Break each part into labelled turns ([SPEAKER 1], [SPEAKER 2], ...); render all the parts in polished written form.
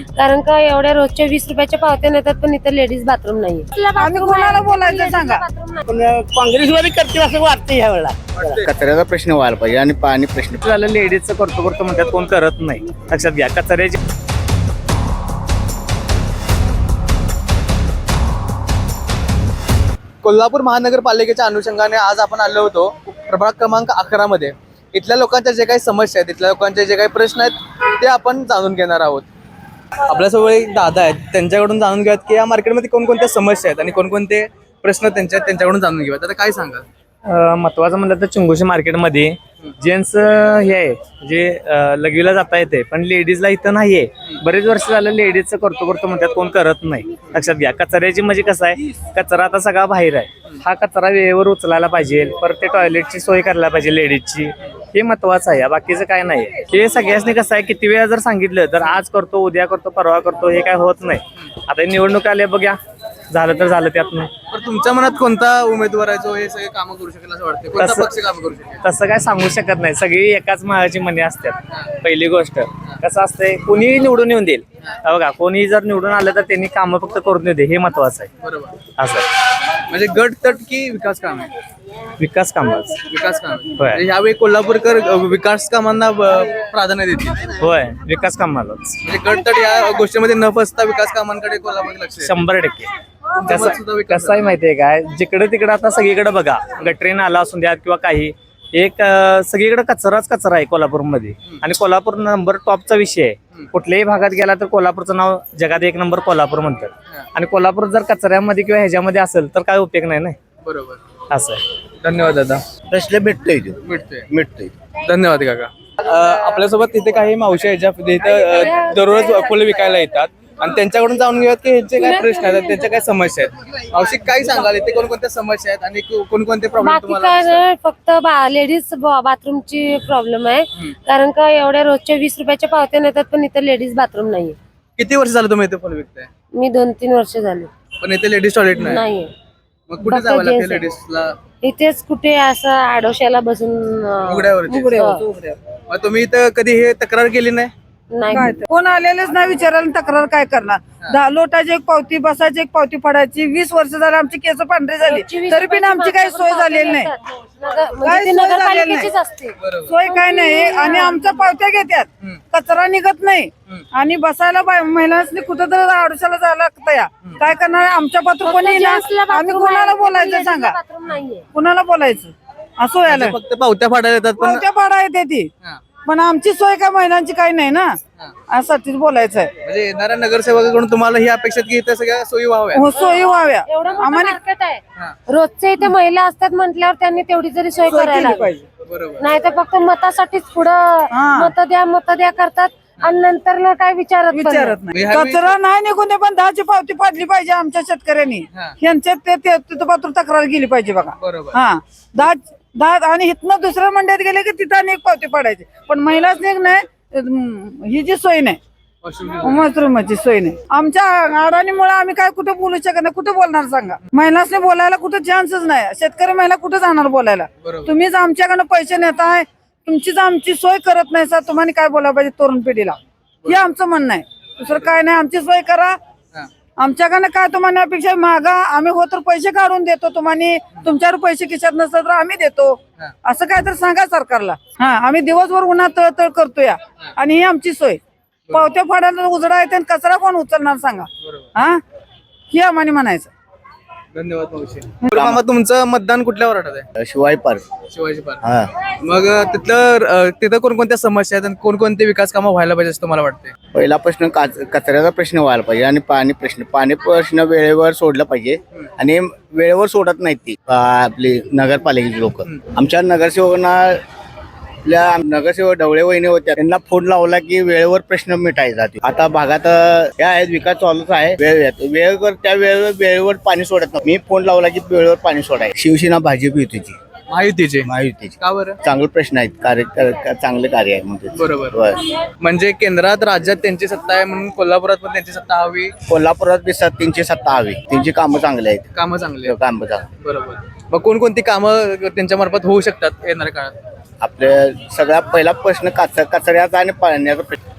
[SPEAKER 1] कारण का एवढ्या रोजच्या 20 रुपयाच्या पावत्या नेतात पण इथं लेडीज बाथरूम नाही.
[SPEAKER 2] आम्ही कोणाला बोलायचं सांगा.
[SPEAKER 3] पण काँग्रेसवादी करतील असं वाटतं ह्या वेळेला.
[SPEAKER 4] कचऱ्याचा प्रश्न व्हायला पाहिजे आणि पाणी प्रश्न
[SPEAKER 5] झालं लेडीजचं करतो म्हणतात, कोण करत नाही. लक्षात घ्या कचऱ्याची.
[SPEAKER 6] कोल्हापूर महानगरपालिकेच्या अनुषंगाने आज आपण आलो होतो प्रभाग क्रमांक 11 मध्ये. इथल्या लोकांच्या जे काही समस्या आहेत, इथल्या लोकांचे जे काही प्रश्न आहेत ते आपण जाणून घेणार आहोत. आपल्यासोबत एक दादा आहेत, त्यांच्याकडून जाणून घेऊयात की या मार्केटमध्ये कोणकोणत्या समस्या आहेत आणि कोणकोणते प्रश्न त्यांच्याकडून जाणून घेऊयात. आता काय सांगाल?
[SPEAKER 5] महत्वाचं म्हणलं तर चिंगोशी मार्केटमध्ये जेंट्स हे आहे जे लगवीला जाता येते पण लेडीजला इथं नाहीये. बरेच वर्ष झालं लेडीजचं करतो म्हणतात, कोण करत नाही. लक्षात घ्या कचऱ्याची म्हणजे कसं आहे, कचरा आता सगळा बाहेर आहे. हा कचरा वेळेवर उचलायला पाहिजे, परत ते टॉयलेटची सोय करायला पाहिजे लेडीजची. हे महत्वाचं आहे, बाकीचं काय नाही. हे सगळ्यांनी कसं आहे, किती वेळा जर सांगितलं तर आज करतो, उद्या करतो, परवा करतो, हे काय होत नाही. आता निवडणूक आले बघा, झालं तर झालं त्यातनं.
[SPEAKER 6] पण तुमच्या मनात कोणता उमेदवार आहे जो हे सगळे कामं करू शकेल असं वाटतं? कोणता पक्ष कामं करू शकेल?
[SPEAKER 5] तसं काय सांगू शकत नाही, सगळी एकाच माळाची मणी असतात. पहिली गोष्ट कसं असतंय, कोणी निवडून येऊन देईल बघा, कोणी जर निवडून आलं तर त्यांनी कामं फक्त करून देऊ दे, हे महत्वाचं आहे.
[SPEAKER 6] बरोबर.
[SPEAKER 5] असं आहे.
[SPEAKER 6] म्हणजे गट तट की विकास काम आहे?
[SPEAKER 5] विकास कामाच.
[SPEAKER 6] विकास काम.
[SPEAKER 5] होय.
[SPEAKER 6] म्हणजे यावेळी कोल्हापूरकर विकास कामांना प्राधान्य देतील.
[SPEAKER 5] होय, विकास कामालाच
[SPEAKER 6] म्हणजे गट तट या गोष्टीमध्ये न फसता विकास कामांकडे कोल्हापूर लक्ष आहे.
[SPEAKER 5] 100%.
[SPEAKER 6] सुद्धा विकास
[SPEAKER 5] कसं आहे माहितीये काय, जिकडे तिकडे आता सगळीकडे बघा, गटरीन आला असून द्या किंवा काही एक सगळीकडे कचरा आहे कोल्हापूरमध्ये. आणि कोल्हापूर नंबर टॉपचा विषय आहे. कुठल्याही भागात गेला तर कोल्हापूरचं नाव जगात 1 नंबर कोल्हापूर म्हणतात. आणि कोल्हापूर जर कचऱ्यामध्ये किंवा ह्याच्यामध्ये असेल तर काय उपयोग नाही ना.
[SPEAKER 6] बरोबर.
[SPEAKER 5] असं आहे.
[SPEAKER 6] धन्यवाद दादा.
[SPEAKER 4] प्रश्न भेटतोय
[SPEAKER 6] मिळतोय. धन्यवाद काका. आपल्यासोबत तिथे काही मावशी आहेत ज्या इथं दररोज फुलं विकायला येतात आणि त्यांच्याकडून जाणून घेऊयात की ह्यांचे काय प्रश्न आहेत, त्यांच्या काय समस्या आहेत. मावशी काय सांगाल, इथे कोणकोणत्या समस्या आहेत आणि कोणकोणते प्रॉब्लेम
[SPEAKER 1] बाकी
[SPEAKER 6] तुम्हाला
[SPEAKER 1] काय
[SPEAKER 6] दिसतात?
[SPEAKER 1] नाही, फक्त लेडीज बाथरूमची प्रॉब्लेम आहे. कारण का एवढ्या रोजच्या 20 रुपयाच्या पावत्या नेतात पण इथं लेडीज बाथरूम नाहीये.
[SPEAKER 6] किती वर्ष झालं तुम्ही इथे फुलं विकताय?
[SPEAKER 1] मी 2-3 वर्ष झाले
[SPEAKER 6] पण इथे लेडीज टॉयलेट नाही.
[SPEAKER 1] नाहीये.
[SPEAKER 6] मग कुठे
[SPEAKER 1] फक्त
[SPEAKER 6] जावं लागते
[SPEAKER 1] gents आहे.
[SPEAKER 6] लेडीजला?
[SPEAKER 1] इथेच कुठे असं आडोशाला बसून
[SPEAKER 6] उघड्यावरती.
[SPEAKER 1] हो.
[SPEAKER 6] मग तुम्ही इथं कधी हे तक्रार केली नाही?
[SPEAKER 1] नाही.
[SPEAKER 2] कोण आलेलेच नाही विचारायला, तक्रार काय करणार. लोटाची एक पावती, बसायची एक पावती पडायची. 20 वर्ष झाली आमची केस पांढरी झाली तरी पण आमची काही सोय झालेली नाही.
[SPEAKER 1] म्हणजे ते नगरपालिकेचीच असते.
[SPEAKER 2] सोय काय नाही. आणि आमच्या पावत्या घेतात, कचरा निघत नाही. आणि बसायला महिलांनी कुठं तर आडोशाला जायला लागतं. या काय करणार, आमच्या पात्र कोणी ना. आम्ही कोणाला बोलायचं सांगा,
[SPEAKER 1] बाथरूम नाहीये.
[SPEAKER 2] कुणाला बोलायचं असं व्हायला.
[SPEAKER 6] फक्त पावत्या फाडायला येतात पण
[SPEAKER 2] पावत्या पाडा येते ती, पण आमची सोय काय महिलांची काही नाही ना. यासाठीच बोलायचं आहे.
[SPEAKER 6] म्हणजे येणाऱ्या नगरसेवकाकडून तुम्हाला ही अपेक्षा की इथं सगळ्या सोयी व्हाव्या.
[SPEAKER 2] हो, सोयी व्हाव्या.
[SPEAKER 1] एवढं मोठं
[SPEAKER 2] आम्हाला
[SPEAKER 1] मार्केट आहे, रोजचे इथे महिला असतात म्हटल्यावर त्यांनी तेवढी जरी सोय करायला हवी.
[SPEAKER 2] पाहिजे.
[SPEAKER 6] बरोबर.
[SPEAKER 1] नाही तर फक्त मतासाठीच पुढं मत द्या करतात आणि नंतर काय विचारत पण नाही.
[SPEAKER 2] विचारत नाही. कचरा नाही निघून दे, पण 10ची पावती पाडली पाहिजे आमच्या शेतकऱ्यांनी. यांच्यात तिथं पात्र तक्रार गेली पाहिजे बघा.
[SPEAKER 6] बरोबर.
[SPEAKER 2] हा, 10 आणि इथनं दुसऱ्या मंडळात गेले की तिथं आणि एक पावती पाडायची. पण महिलाच नाही, ही जी सोय नाही, बाथरूमची सोय नाही. आमच्या अडाणीमुळे आम्ही काय कुठे बोलू शकत नाही. कुठे बोलणार सांगा. महिलांनी बोलायला कुठे चान्सच नाही. शेतकरी महिला कुठे जाणार बोलायला. तुम्हीच आमच्याकडनं पैसे नेताय, तुमचीच आमची सोय करत नाही सर. तुम्हाला काय बोलायला पाहिजे तरुण पिढीला, हे आमचं म्हणणं आहे. दुसरं काय नाही. आमची सोय करा. आमच्याकडनं काय तुम्हाला अपेक्षा मागा, आम्ही हो तर पैसे काढून देतो तुम्हाला. तुमच्यावर पैसे खिशात नसतात तर आम्ही देतो, असं काय तर सांगा सरकारला. हा, आम्ही दिवसभर उन्हात तळतळ करतो या, आणि ही आमची सोय. पावत्या फाडायला उजडा येते आणि कचरा कोण उचलणार सांगा. हा, हे आम्हाला म्हणायचं.
[SPEAKER 6] धन्यवाद मावशी. मामा, तुमचं मतदान कुठल्या वार्डात आहे?
[SPEAKER 4] शिवाय पार्क.
[SPEAKER 6] शिवाजी पार्क. मग तिथं कोणकोणत्या समस्या आहेत आणि कोणकोणते विकास कामं व्हायला पाहिजे असं तुम्हाला वाटते?
[SPEAKER 4] पहिला प्रश्न कचऱ्याचा प्रश्न व्हायला पाहिजे आणि पाणी प्रश्न वेळेवर सोडलं पाहिजे. आणि वेळेवर सोडत नाहीत ती आपली नगरपालिकेची लोक. आमच्या नगरसेवक ढवळे वहिनी होत्या, त्यांना फोन लावला की वेळेवर प्रश्न मिटायचा. आता भागात या आहेत, विकास चालूच आहे. वेळेवर त्या वेळेवर पाणी सोडत नाही. मी फोन लावला की वेळेवर पाणी सोडायचं. शिवसेना भाजप युतीची. महायुतीची.
[SPEAKER 6] का बरं?
[SPEAKER 4] चांगले प्रश्न आहेत, चांगले कार्य आहे म्हणजे.
[SPEAKER 6] बरोबर. म्हणजे केंद्रात राज्यात त्यांची सत्ता आहे म्हणून कोल्हापुरात पण त्यांची सत्ता हवी.
[SPEAKER 4] कोल्हापुरात बी त्यांची सत्ता हवी. त्यांची कामं चांगली आहेत.
[SPEAKER 6] कामं चांगली.
[SPEAKER 4] कामं चांगली.
[SPEAKER 6] बरोबर. मग कोणकोणती कामं त्यांच्या मार्फत होऊ शकतात येणाऱ्या काळात?
[SPEAKER 4] आपल्या सगळ्यात पहिला प्रश्न कचऱ्याचा आणि पाण्याचा प्रश्न.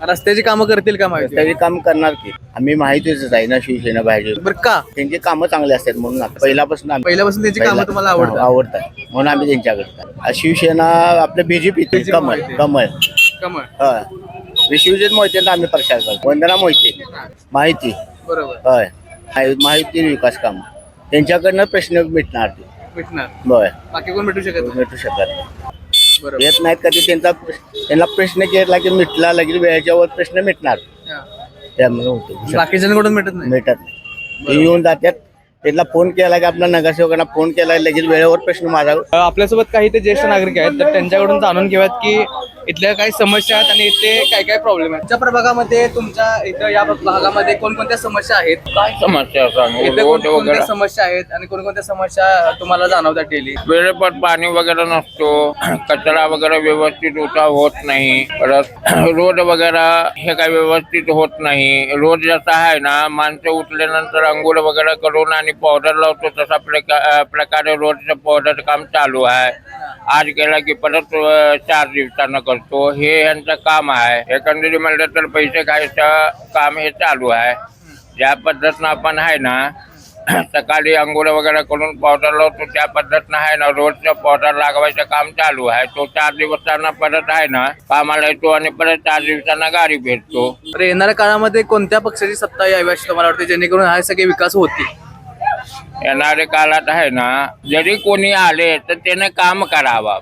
[SPEAKER 6] रस्त्याची कामं करतील का माहिती
[SPEAKER 4] त्याची काम करणार की आम्ही माहितीच आहे ना शिवसेना पाहिजे
[SPEAKER 6] बरं का
[SPEAKER 4] त्यांची कामं चांगली असतात म्हणून पहिल्यापासून
[SPEAKER 6] पहिल्यापासून त्यांची कामं तुम्हाला आवडतात
[SPEAKER 4] आवडतात म्हणून आम्ही त्यांच्याकडे शिवसेना आपल्या बीजेपी कमळ कमळ
[SPEAKER 6] कमळ
[SPEAKER 4] होय शिवसेना मोहिते आम्ही प्रचार करतो वंदना मोहिते माहिती
[SPEAKER 6] बरोबर
[SPEAKER 4] होय माहिती विकास काम त्यांच्याकडनं प्रश्न मिटणार ते
[SPEAKER 6] भेटणार
[SPEAKER 4] होय
[SPEAKER 6] बाकी कोण भेटू शकत नाही.
[SPEAKER 4] मिटू शकत नाही.
[SPEAKER 6] बरोबर
[SPEAKER 4] येत नाहीत कधी त्यांना प्रश्न केला की मिटला लगेच वेळेच्या वर प्रश्न मिटणार
[SPEAKER 6] हा.
[SPEAKER 4] त्यामुळे होते
[SPEAKER 6] बाकीच्यांकडून भेटत नाही
[SPEAKER 4] मिटत नाही ते येऊन जातात त्यांना फोन केला की आपल्या नगरसेवकांना फोन केला लगेच वेळेवर प्रश्न माझा
[SPEAKER 6] आपल्यासोबत काही ते ज्येष्ठ नागरिक आहेत तर त्यांच्याकडून जाणून घेऊयात की इथल्या काही समस्या आहेत आणि इथे काय काय प्रॉब्लेम आहेत. तुमच्या प्रभागामध्ये तुमच्या इथं या भागामध्ये कोणकोणत्या समस्या आहेत
[SPEAKER 7] काय समस्या सांगू
[SPEAKER 6] इथे
[SPEAKER 7] रोड
[SPEAKER 6] कोणकोणत्या
[SPEAKER 7] वगैरे
[SPEAKER 6] समस्या आहेत आणि कोणकोणत्या समस्या तुम्हाला जाणवतात डेली.
[SPEAKER 7] वेळेवर पाणी वगैरे नसतो कचरा वगैरे व्यवस्थित उठाव होत नाही परत रोड वगैरे हे काही व्यवस्थित होत नाही. रोड जसा आहे ना माणसं उठल्यानंतर अंघोळ वगैरे करून आणि पावडर लावतो तसा प्रकारे रोडचं पावडर काम चालू आहे. आज गेला की परत 4 दिवसानं करतो हे यांचं काम आहे. एकंदरीत म्हणलं तर पैसे खायचं काम हे चालू आहे. ज्या पद्धतीनं आपण आहे ना सकाळी अंघोळ वगैरे करून पावडर लावतो त्या पद्धतीनं आहे ना रोजचं पावडर लागवायचं काम चालू आहे. तो 4 दिवसांना परत आहे ना कामाला येतो आणि परत 4 दिवसांना गाडी भेटतो.
[SPEAKER 6] तर येणाऱ्या काळामध्ये कोणत्या पक्षाची सत्ता यावी अशी तुम्हाला वाटते जेणेकरून हा सगळे विकास होतील.
[SPEAKER 7] येणाऱ्या काळात आहे ना जरी कोणी आले तर त्याने काम करावा.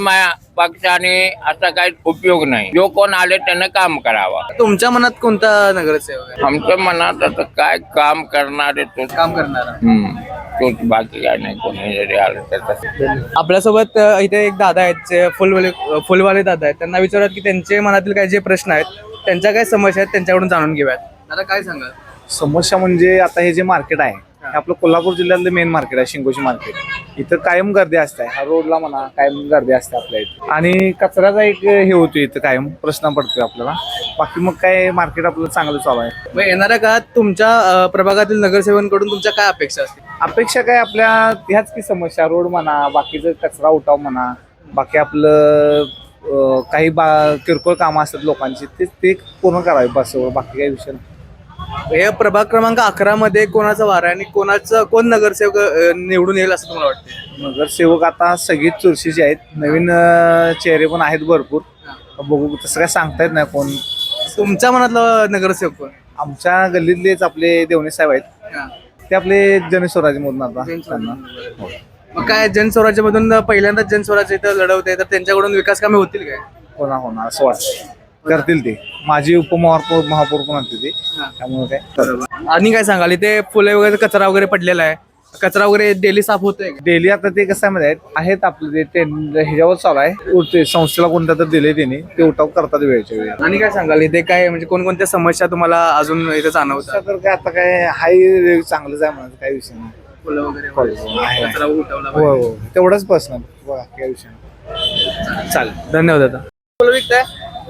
[SPEAKER 7] पक्षाने असा काही उपयोग नाही. जो कोण आले त्याने काम करावा.
[SPEAKER 6] तुमच्या मनात कोणता नगरसेवक आहे
[SPEAKER 7] आमच्या मनात आता काय काम करणारे तोच
[SPEAKER 6] काम करणारा.
[SPEAKER 7] तोच बाकी काय नाही. कोणी जरी आलं तर
[SPEAKER 6] आपल्यासोबत इथे एक दादा आहेत जे फुलवाले दादा आहेत. त्यांना विचारत की त्यांचे मनातील काही जे प्रश्न आहेत त्यांच्या काय समस्या आहेत त्यांच्याकडून जाणून घेऊयात. दादा काय सांगाल.
[SPEAKER 8] समस्या म्हणजे आता हे जे मार्केट आहे हे आपलं कोल्हापूर जिल्ह्यातलं मेन मार्केट आहे शिंगोशी मार्केट. इथं कायम गर्दी असते. हा रोडला म्हणा कायम गर्दी असते आपल्या इथे आणि कचऱ्याचा एक हे होतो इथं कायम प्रश्न पडतोय आपल्याला. बाकी मग काय मार्केट आपलं चांगलं चालू आहे.
[SPEAKER 6] मग येणाऱ्या काळात तुमच्या प्रभागातील नगरसेवकांकडून तुमच्या काय अपेक्षा असतील.
[SPEAKER 8] अपेक्षा काय आपल्या ह्याच की समस्या रोड म्हणा बाकीचं कचरा उठाव म्हणा बाकी आपलं काही किरकोळ कामं असतात लोकांची ते पूर्ण करावे बस बाकी काही विषय नाही.
[SPEAKER 6] हे प्रभाग क्रमांक 11 मध्ये कोणाचा वारा आहे आणि कोण नगरसेवक निवडून येईल असं तुम्हाला वाटतं.
[SPEAKER 8] नगरसेवक आता सगळीच चुरशीचे आहेत. नवीन चेहरे पण आहेत भरपूर. बघू तसं काय सांगता येत नाही कोण.
[SPEAKER 6] तुमच्या मनातलं नगरसेवक कोण.
[SPEAKER 8] आमच्या गल्लीतलेच आपले देवणे साहेब आहेत. ते आपले जनस्वराज्य मधून आता त्यांना
[SPEAKER 6] मग काय जनस्वराज्यामधून पहिल्यांदाच जनस्वराज्य इथं लढवते तर त्यांच्याकडून विकास कामे होतील काय.
[SPEAKER 8] होणार असं वाटतं. करतील ते. माझी महापौर पण होते ते त्यामुळे काय.
[SPEAKER 6] आणि काय सांगाल इथे फुले वगैरे कचरा वगैरे पडलेला आहे. कचरा वगैरे डेली साफ होतोय.
[SPEAKER 8] डेली आता ते कसं मध्ये आहेत आपले ते ह्याच्यावर चालू आहे. संस्थेला कोणत्या तर दिले त्यांनी ते उठाव करतात वेळेच्या वेळी.
[SPEAKER 6] आणि काय सांगाल इथे काय म्हणजे कोणकोणत्या समस्या तुम्हाला अजून इथे जाणवतात.
[SPEAKER 8] तर काय आता काय हाय चांगलंच आहे म्हणायचं काही विषय नाही.
[SPEAKER 6] फुलं वगैरे कचरा उठवला
[SPEAKER 8] हो हो तेवढंच पर्सनल काही विषय नाही.
[SPEAKER 6] चालेल धन्यवाद दादा. फुलं विकताय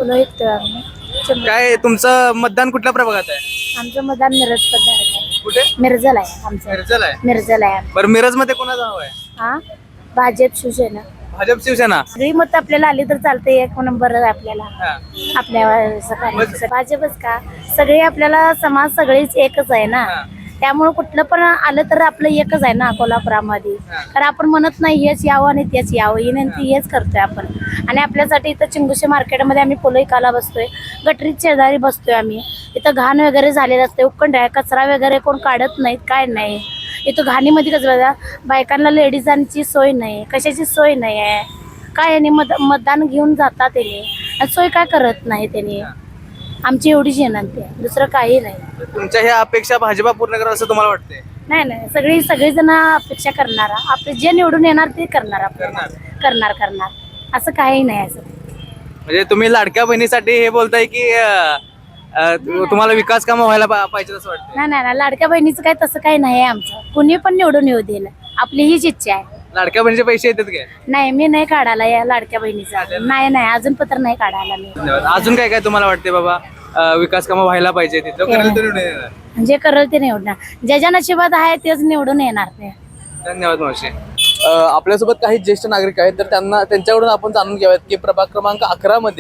[SPEAKER 6] काय तुमचं मतदान कुठल्या प्रभागात आहे.
[SPEAKER 1] आमचं मतदान मिरज आहे.
[SPEAKER 6] कुठे
[SPEAKER 1] मिरजल आहे आमचं.
[SPEAKER 6] मिरजल आहे.
[SPEAKER 1] मिरजल आहे.
[SPEAKER 6] बरं मिरज मध्ये कोणाचा हवा आहे.
[SPEAKER 1] हा भाजप शिवसेना
[SPEAKER 6] भाजप शिवसेना.
[SPEAKER 1] सगळी मत आपल्याला आली तर चालते. एक नंबर आहे आपल्याला
[SPEAKER 6] हा.
[SPEAKER 1] आपल्या भाजपच का सगळे आपल्याला समाज सगळीच एकच आहे ना. त्यामुळे कुठलं पण आलं तर आपलं एकच आहे ना कोल्हापुरामध्ये. कारण आपण म्हणत नाही हेच यावं आणि तेच यावं विनंती हेच करतोय आपण. आणि आपल्यासाठी इथं चिंगुशी मार्केटमध्ये आम्ही पोलईकाला बसतोय. गटरीत शेजारी बसतोय आम्ही. इथं घाण वगैरे झालेलं असते उक्कंड आहे. कचरा वगैरे कोण काढत नाहीत काय नाही. इथं घाणीमध्ये कचरा बायकांना लेडीजांची सोय नाही कशाची सोय नाही आहे काय. आणि मतदान घेऊन जातात त्याने सोय काय करत नाही त्याने. आमची एवढीच विनंती आहे दुसरं काही नाही.
[SPEAKER 6] तुमच्या ह्या अपेक्षा भाजपा पूर्ण करा असं तुम्हाला वाटतंय.
[SPEAKER 1] नाही सगळेजण अपेक्षा करणार. आपले जे निवडून येणार ते करणार. करणार असं काही नाही. असं
[SPEAKER 6] म्हणजे तुम्ही लाडक्या बहिणीसाठी हे बोलताय की तुम्हाला विकास कामं व्हायला पाहिजे असं वाटतं.
[SPEAKER 1] नाही लाडक्या बहिणीचं काय तसं काही नाही आहे आमचं. कुणी पण निवडून येऊ देईल आपली हीच इच्छा आहे.
[SPEAKER 6] लाडक्या बहिणीचे पैसे येतात काय.
[SPEAKER 1] नाही मी नाही काढायला या लाडक्या बहिणीचा. नाही अजून पत्र नाही काढायला मी.
[SPEAKER 6] अजून काय काय तुम्हाला वाटते बाबा विकास कामं व्हायला पाहिजे.
[SPEAKER 1] जे करल ते निवडणार. ज्याच्या नशिबात आहे तेच निवडून येणार ते.
[SPEAKER 6] धन्यवाद मावशी. आपल्यासोबत काही ज्येष्ठ नागरिक आहेत तर त्यांच्याकडून आपण जाणून घ्याव्यात की प्रभाग क्रमांक 11 मध्ये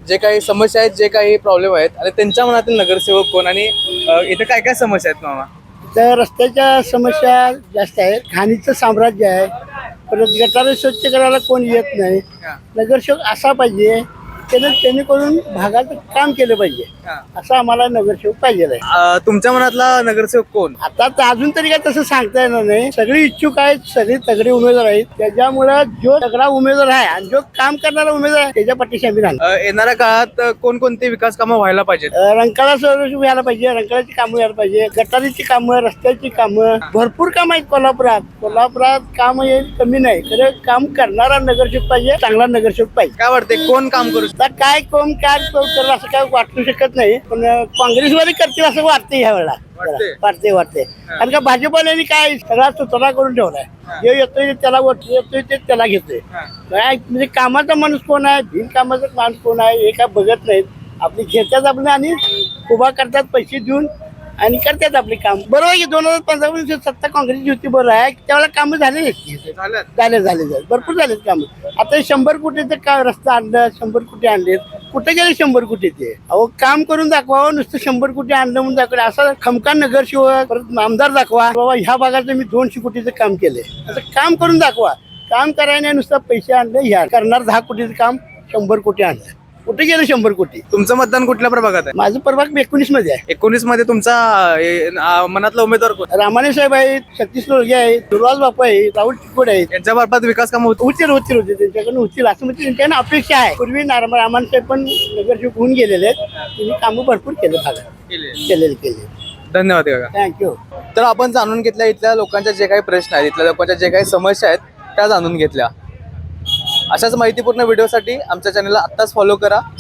[SPEAKER 6] जे काही समस्या आहेत, जे काही प्रॉब्लेम आहेत आणि त्यांच्या मनातील नगरसेवक कोण आणि इथे काय काय समस्या आहेत मामा?
[SPEAKER 3] तर रस्त्याच्या समस्या जास्त आहेत, घाणीचं साम्राज्य आहे, परत गटारे स्वच्छ करायला कोण येत नाही. नगरसेवक असा पाहिजे त्यांनी करून भागाचं काम केलं पाहिजे, असं आम्हाला नगरसेवक पाहिजे आहे.
[SPEAKER 6] तुमच्या मनातला नगरसेवक कोण?
[SPEAKER 3] आता तर अजून तरी काय तसं सांगता येणार नाही. सगळी इच्छुक आहेत, सगळे तगडे उमेदवार आहेत. त्याच्यामुळे जो तगडा उमेदवार आहे आणि जो काम करणारा उमेदवार आहे त्याच्या पाठीशी आम्ही राहणार.
[SPEAKER 6] येणाऱ्या काळात कोणकोणते विकास कामं व्हायला पाहिजेत?
[SPEAKER 3] रंकाळा सर्व व्हायला पाहिजे, रंकाळाची कामं व्हायला पाहिजे, गटारीची कामं, रस्त्याची कामं, भरपूर काम आहेत कोल्हापुरात काम हे कमी नाही. खरं काम करणारा नगरसेवक पाहिजे, चांगला नगरसेवक पाहिजे.
[SPEAKER 6] काय वाटते कोण काम करू?
[SPEAKER 3] आता काय कोण काय करणार असं काय वाटू शकत नाही, पण काँग्रेसवाले करतील असं वाटते ह्या वेळेला. वाटते कारण का भाजपवाल्यांनी काय सगळा सुधारणा करून ठेवलाय. जे येतोय त्याला येतोय ते त्याला घेतोय. काय म्हणजे कामाचा माणूस कोण आहे, बिनकामाचा माणूस कोण आहे हे काय बघत नाहीत. आपली घेतात आपले आणि उभा करतात पैसे देऊन आणि करतात आपले काम. बरोबर आहे की 2015 सत्ता काँग्रेसची होती, बरोबर आहे. त्यावेळेला कामं झाले भरपूर झालेत कामं. आता 100 कोटीचं का रस्ता आणलं, 100 कोटी आणलेत, कुठे गेले 100 कोटी? ते अहो काम करून दाखवा. नुसतं 100 कोटी आणलं म्हणून दाखवलं असं खमकान नगरसेवक परत आमदार दाखवा बाबा ह्या भागाचं मी 200 कोटीचं काम केलंय, असं काम करून दाखवा. काम करायला नुसतं पैसे आणले, ह्या करणार 10 कोटीचं काम 100 कोटी आणलं, कुठे गेलं 100 कोटी?
[SPEAKER 6] तुमचं मतदान कुठल्या प्रभागात आहे?
[SPEAKER 3] माझं प्रभाग 19 मध्ये आहे.
[SPEAKER 6] 19 मध्ये तुमचा मनातला उमेदवार कोण?
[SPEAKER 3] रामाने साहेब आहेत, सतीश लोळगे आहेत, दुर्वाज बापू आहेत, राहुल चिकोड आहेत.
[SPEAKER 6] यांच्या मार्फत विकास कामं
[SPEAKER 3] होतील त्यांच्याकडून होतील असं म्हणजे त्यांच्याकडे अपेक्षा आहे. पूर्वी रामाने साहेब पण नगरसेवक होऊन गेलेले आहेत, त्यांनी कामं भरपूर केले भागात केले.
[SPEAKER 6] धन्यवाद काका.
[SPEAKER 3] थँक्यू.
[SPEAKER 6] तर आपण जाणून घेतल्या इथल्या लोकांच्या जे काही प्रश्न आहेत, इथल्या लोकांच्या जे काही समस्या आहेत त्या जाणून घेतल्या. अशाच माहितीपूर्ण व्हिडिओसाठी आमच्या चॅनलला आत्ताच फॉलो करा.